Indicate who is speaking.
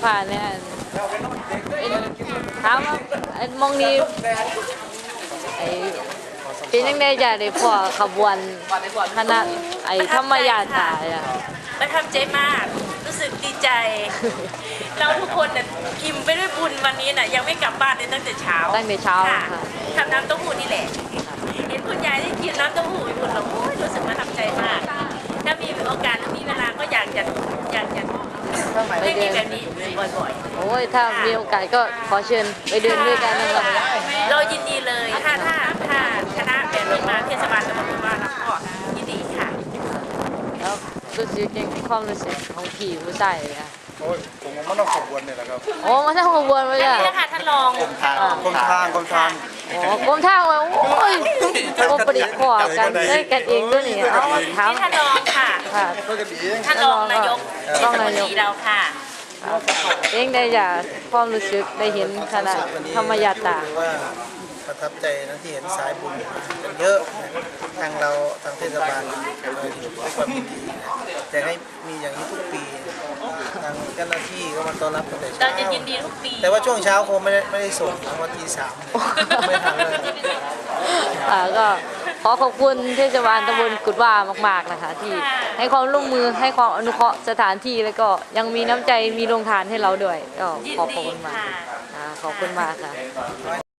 Speaker 1: ผ่านเนี่ยถามว่าไอ้มองนี้ไอ้เป็นยังไงจ้ะได้พอขบวนคณะไอ้ธรรมญาตราอ่ะ
Speaker 2: ประทับใจมาก รู้สึกดีใจ เราทุกคนน่ะอิ่มไปด้วยบุญวันนี้น่ะยังไม่กลับบ้านเลยตั้งแต่เช้า
Speaker 1: ตั้งแต่เช้า
Speaker 2: ค่ะ
Speaker 1: ค่ะ
Speaker 2: ทำน้ำเต้าหู้นี่แหละ เห็นคุณยายที่กินน้ำเต้าหู้อุ่นแล้วโอ้ยรู้สึกประทับใจมาก ถ้ามีโอกาสหรือมีเวลาก็อยากจะไม่มีแบบนี้บ่อย
Speaker 1: โอ้ยถ้ามีโอกาสก็ขอเชิญไปเดินด้วยกันนะครับ
Speaker 2: ๆ เรายินดีเลยถ้าคณะแบบนี้มาเทศบาลตำบลกุฎว่าแล้วก็ยินดีค่ะ
Speaker 1: แล้วรู้สึกยังความรู้สึกของพี่ผู้ชายเลยอ่ะ
Speaker 3: โอ้ยผมว่ามันต้องขบวนเนี่ยแหละครับ
Speaker 1: โอ้มาทำขบวนมา
Speaker 2: อัน
Speaker 1: จ้ะ
Speaker 2: นี้นะคะท่านรอง
Speaker 3: กรมทาง
Speaker 1: โอ้กรมทางว่าโอ้ยกรมประดิษฐ์ขอกันด้วยกันเองด้วยนี่เอามาถาม
Speaker 2: นี่ท่านรองค่ะ
Speaker 1: ค่ะ
Speaker 3: เพื่อกันเอง
Speaker 2: ท่านรองนายกเทศมนตรีเราค่ะ
Speaker 1: เองได้อยากความรู้สึกได้เห็นคณะธรรมญาตรา
Speaker 4: ว่าประทับใจนะที่เห็นสายบุญกันเยอะนะทางเราทางเทศบาลด้วยความยินดีอยากให้มีอย่างนี้ทุกปีทางเจ้าหน้าที่ก็มาต้อนรับตั้งแต่
Speaker 2: เรา
Speaker 4: เช้า
Speaker 2: จะยินดีทุกปี
Speaker 4: แต่ว่าช่วงเช้าคงไม่ได้ส่งเพราะว่าตี 3ไม่ทันเลย
Speaker 1: ก็ขอขอบคุณเทศบาลตำบลกุดว่ามากๆนะคะ ที่ให้ความร่วมมือให้ความอนุเคราะห์สถานที่แล้วก็ยังมีน้ำใจมีโรงทานให้เราด้วยก็
Speaker 2: ยิน
Speaker 1: ขอบ
Speaker 2: ดี
Speaker 1: คุณมาก
Speaker 2: ค่ะ
Speaker 1: ขอบคุณมากค่ะ